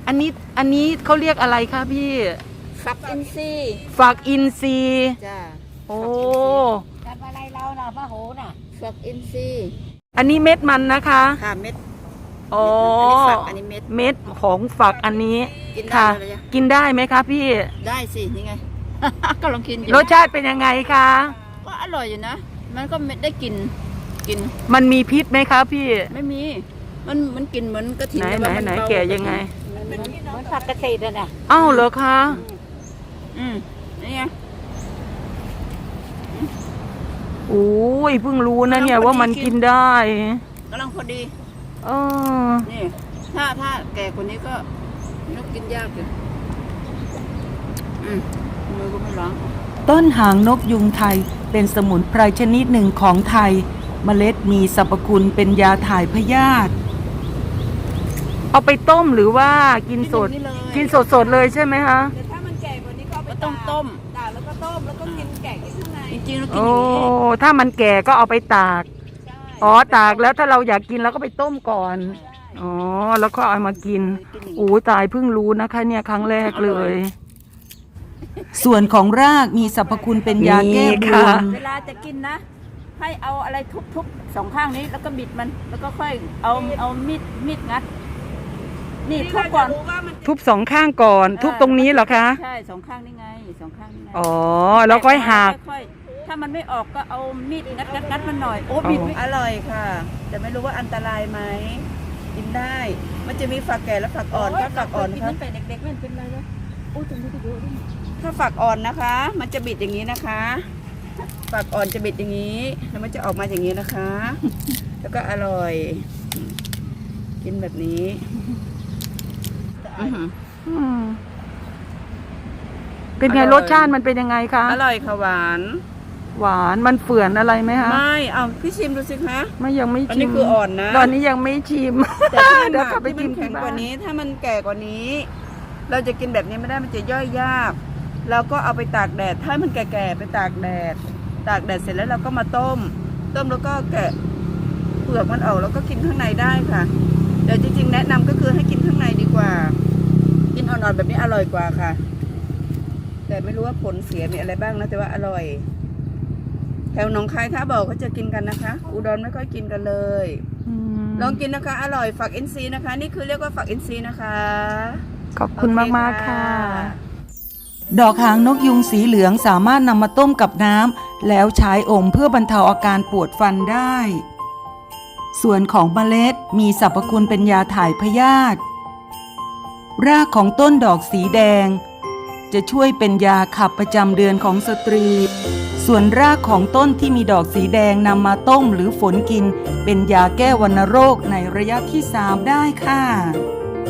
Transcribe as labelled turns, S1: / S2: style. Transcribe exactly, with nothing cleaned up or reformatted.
S1: อันนี้อันนี้เขาเรียกอะไรคะพี่
S2: ฝักอินทรีย์
S1: ฝักอินทรีย์
S2: จ้า
S1: โอ้
S2: จับอะไรเราน่ะพระโหน่ะฝักอินทรีย์
S1: อันนี้เม็ดมันนะคะ
S2: ค่ะเม็ด
S1: อ๋อ
S2: อันนี้เม็ด
S1: เม็ดของฝักอันนี้
S2: กินได้
S1: ค่ะ
S2: เลย
S1: กินได้ไหมคะพี่
S2: ได้สินี่ไงก็ลองกิน
S1: รสชาติเป็นยังไงคะ
S2: ก็อร่อยอยู่นะมันก็ได้กินกิน
S1: มันมีพิษไหมคะพี่
S2: ไม่มีมันมันกินเหมือนกระถิ่น
S1: ไหนไหนไหนแก่ยังไง
S2: เหมือนผักกระเฉดน่ะ
S1: อ้าวเหรอคะ
S2: อืมนี่ไง
S1: โอ้ยเพิ่งรู้นะเนี่ยว่ามันกินได้
S2: กำลังพอดี
S1: เออ
S2: นี่ถ้าถ้าแก่คนนี้ก็นกกินยากอยู่อืมมือก็ไม่ร้อง
S1: ต้นหางนกยุงไทยเป็นสมุนไพรชนิดหนึ่งของไทยเมล็ดมีสรรพคุณเป็นยาถ่ายพยาธิเอาไปต้มหรือว่ากินสดกินสดสดเลยใช่ไหมคะ
S2: แต่ถ้ามันแก่กว่านี้ก็เอาไปต้มต้มตากแล้วก็ต้มแล้วก็กินแก่กินข้างในจริงๆเรากินอย่างนี้
S1: โอ้ถ้ามันแก่ก็เอาไปตากอ๋อตากแล้วถ้าเราอยากกินเราก็ไปต้มก่อนอ๋อแล้วก็เอามากินโอ้ตายเพิ่งรู้นะคะเนี่ยครั้งแรกเลยส่วนของรากมีสรรพคุณเป็นยาแก้บวม
S2: เวลาจะกินนะให้เอาอะไรทุบๆสองข้างนี้แล้วก็บิดมันแล้วก็ค่อยเอาเอามีดมีดงัดนี่ทุบก่อน
S1: ทุบสองข้างก่อนทุบตรงนี้เหรอคะ
S2: ใช่สองข้างนี่ไงสองข้างนี่ไง
S1: อ๋อแล้วค่อยหัก
S2: ถ้ามันไม่ออกก็เอามีดงัดงัดงัดมันหน่อยโอ้บิดอร่อยค่ะแต่ไม่รู้ว่าอันตรายไหมกินได้มันจะมีฝักแก่และฝักอ่อนถ้าฝักอ่อนครับเด็กๆไม่เป็นไรเลยโอ้ตรงนี้ก็เยอะด้วยถ้าฝักอ่อนนะคะมันจะบิดอย่างนี้นะคะฝักอ่อนจะบิดอย่างนี้แล้วมันจะออกมาอย่างนี้นะคะแล้วก็อร่อยกินแบบนี้
S1: เป็นไงรสชาติมันเป็นยังไงคะ
S2: อร่อยค่ะหวาน
S1: หวานมันเฝื่อนอะไรไหมคะ
S2: ไม่เอาพี่ชิมดูสิคะ
S1: ไม่ยังไม่ชิมอัน
S2: นี้คืออ่อนนะ
S1: ตอนนี้ยังไม่ชิม
S2: แต่ถ้าเดี๋ยวกลับไปชิมแข็งกว่านี้ถ้ามันแก่กว่านี้เราจะกินแบบนี้ไม่ได้มันจะย่อยยากเราก็เอาไปตากแดดถ้ามันแก่ๆไปตากแดดตากแดดเสร็จแล้วเราก็มาต้มต้มแล้วก็แกะเปลือกมันออกแล้วก็กินข้างในได้ค่ะแต่จริงๆแนะนำก็คือให้กินข้างในดีกว่ากินอ่อนๆแบบนี้อร่อยกว่าค่ะแต่ไม่รู้ว่าผลเสียมีอะไรบ้างนะแต่ว่าอร่อยแถวหนองคายถ้าบอกเขาจะกินกันนะคะอุดรไม่ค่อยกินกันเลยลองกินนะคะอร่อยฝักอินทรีย์นะคะนี่คือเรียกว่าฝักอินทรีย์นะคะ
S1: ขอบคุณมากๆค่ะดอกหางนกยุงสีเหลืองสามารถนำมาต้มกับน้ำแล้วใช้อมเพื่อบรรเทาอาการปวดฟันได้ส่วนของเมล็ดมีสรรพคุณเป็นยาถ่ายพยาธิรากของต้นดอกสีแดงจะช่วยเป็นยาขับประจำเดือนของสตรีส่วนรากของต้นที่มีดอกสีแดงนำมาต้มหรือฝนกินเป็นยาแก้วัณโรคในระยะที่สามได้ค่ะ